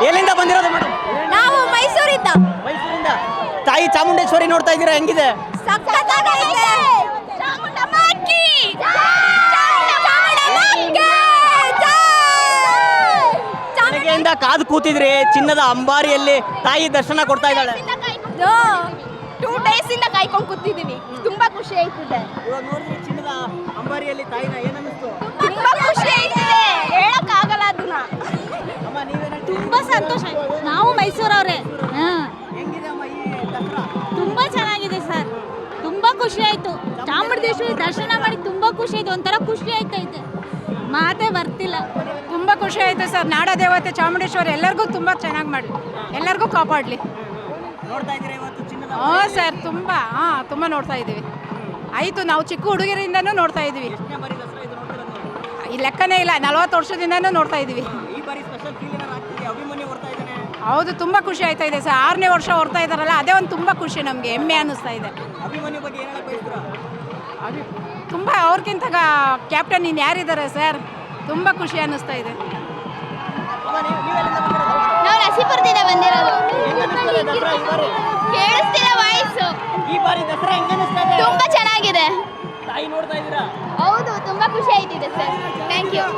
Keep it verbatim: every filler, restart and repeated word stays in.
ಎಲ್ಲಿಂದ ಬಂದಿರೋದು ಮೇಡಮ್? ನಾವು ಮೈಸೂರಿಂದ. ಮೈಸೂರಿಂದ. ತಾಯಿ ಚಾಮುಂಡೇಶ್ವರಿ ನೋಡ್ತಾ ಇದ್ದೀರಾ, ಹೆಂಗಿದೆ? ಸಖತ್ತಾಗೈತೆ. ಚಾಮುಂಡಮ್ಮಕ್ಕಿ ಬೆಳಗ್ಗೆಯಿಂದ ಕಾದು ಕೂತಿದ್ರಿ, ಚಿನ್ನದ ಅಂಬಾರಿಯಲ್ಲಿ ತಾಯಿ ದರ್ಶನ ಕೊಡ್ತಾ ಇದ್ದಾಳೆ. ಟೂ ಡೇಸ್ ಇಂದ ಕಾಯ್ಕೊಂಡು ಕೂತಿದೀನಿ. ತುಂಬಾ ಖುಷಿ ಆಯ್ತಿದೆ. ಇವಾಗ ನೋಡಿದ್ರಿ ಚಿನ್ನದ ಅಂಬಾರಿಯಲ್ಲಿ ತಾಯಿನ, ಏನನ್ನಿಸ್ತು? ತುಂಬಾ ಖುಷಿ ಆಯ್ತಿದೆ, ಹೇಳಕ್ ಆಗಲ್ಲ ಅದನ್ನ. ಅಮ್ಮ ನೀವೇನ? ತುಂಬಾ ಸಂತೋಷ. ನಾವು ಮೈಸೂರವ್ರೆ. ಹೆಂಗಿದೆ ಅಮ್ಮ ಈ ದಸರಾ? ತುಂಬಾ ಚೆನ್ನಾಗಿದೆ ಸರ್, ತುಂಬಾ ಖುಷಿ ಆಯ್ತು. ಚಾಮುಂಡೇಶ್ವರಿ ದರ್ಶನ ಮಾಡಿ ತುಂಬಾ ಖುಷಿ ಆಯ್ತು, ಒಂಥರ ಖುಷಿ ಆಯ್ತೈತೆ, ಮಾತೇ ಬರ್ತಿಲ್ಲ. ತುಂಬ ಖುಷಿ ಆಯಿತು ಸರ್. ನಾಡ ದೇವತೆ ಚಾಮುಂಡೇಶ್ವರಿ ಎಲ್ಲರಿಗೂ ತುಂಬ ಚೆನ್ನಾಗಿ ಮಾಡಲಿ, ಎಲ್ಲರಿಗೂ ಕಾಪಾಡಲಿ. ನೋಡ್ತಾ ಇದ್ದೀರಾ ಇವತ್ತು ಚಿನ್ನದ? ಹಾಂ ಸರ್, ತುಂಬ ಹಾಂ ತುಂಬ ನೋಡ್ತಾ ಇದ್ದೀವಿ. ಆಯಿತು, ನಾವು ಚಿಕ್ಕ ಹುಡುಗರಿಂದನೂ ನೋಡ್ತಾ ಇದ್ದೀವಿ. ಎಷ್ಟನೇ ಬಾರಿ ದಸರಾ ಇದು ನೋಡ್ತಿರೋದು? ಈ ಲೆಕ್ಕನೇ ಇಲ್ಲ, ನಲವತ್ತು ವರ್ಷದಿಂದನೂ ನೋಡ್ತಾ ಇದ್ದೀವಿ. ಈ ಬಾರಿ ಸ್ಪೆಷಲ್ ಫೀಲ್ ಏನಾರು ಆಗ್ತಿದೆ? ಅಭಿಮನ್ಯು ಬರ್ತಾ ಇದ್ದಾನೆ. ಹೌದು, ತುಂಬ ಖುಷಿ ಆಯ್ತಾ ಇದೆ ಸರ್. ಆರನೇ ವರ್ಷ ಹೊರ್ತಾ ಇದ್ದಾರಲ್ಲ, ಅದೇ ಒಂದು ತುಂಬ ಖುಷಿ, ನಮಗೆ ಹೆಮ್ಮೆ ಅನ್ನಿಸ್ತಾ ಇದೆ. ಅಭಿಮನ್ಯು ಬಗ್ಗೆ ಏನು ಹೇಳಕ್ ಬಯಸ್ತೀರಾ? ಅದು ತುಂಬ ಅವ್ರಿಗಿಂತ ಕ್ಯಾಪ್ಟನ್ ಇನ್ನು ಯಾರಿದ್ದಾರೆ ಸರ್, ತುಂಬ ಖುಷಿ ಅನ್ನಿಸ್ತಾ ಇದೆ. ಅಮ್ಮ ನೀವು ನೀವೆಲ್ಲಿಂದ ಬಂದಿರೋದು? ನಾವು ನಸೀಪುರದಿಂದ ಬಂದಿರೋದು. ಹೆಂಗ್ ಅನ್ನಿಸ್ತಾ ಇದೆ ದಸರಾ ಈ ಬಾರಿ? ಕೇಳಿಸ್ತಿಲ್ಲ ವಾಯ್ಸು. ಈ ಬಾರಿ ದಸರಾ ಹೆಂಗ್ ಅನ್ನಿಸ್ತಾ ಇದೆ? ತುಂಬಾ ಚೆನ್ನಾಗಿದೆ. ತಾಯಿ ನೋಡ್ತಾ ಇದ್ದೀರಾ? ಹೌದು, ತುಂಬಾ ಖುಷಿ ಆಯ್ತಿದೆ ಸರ್. Thank you.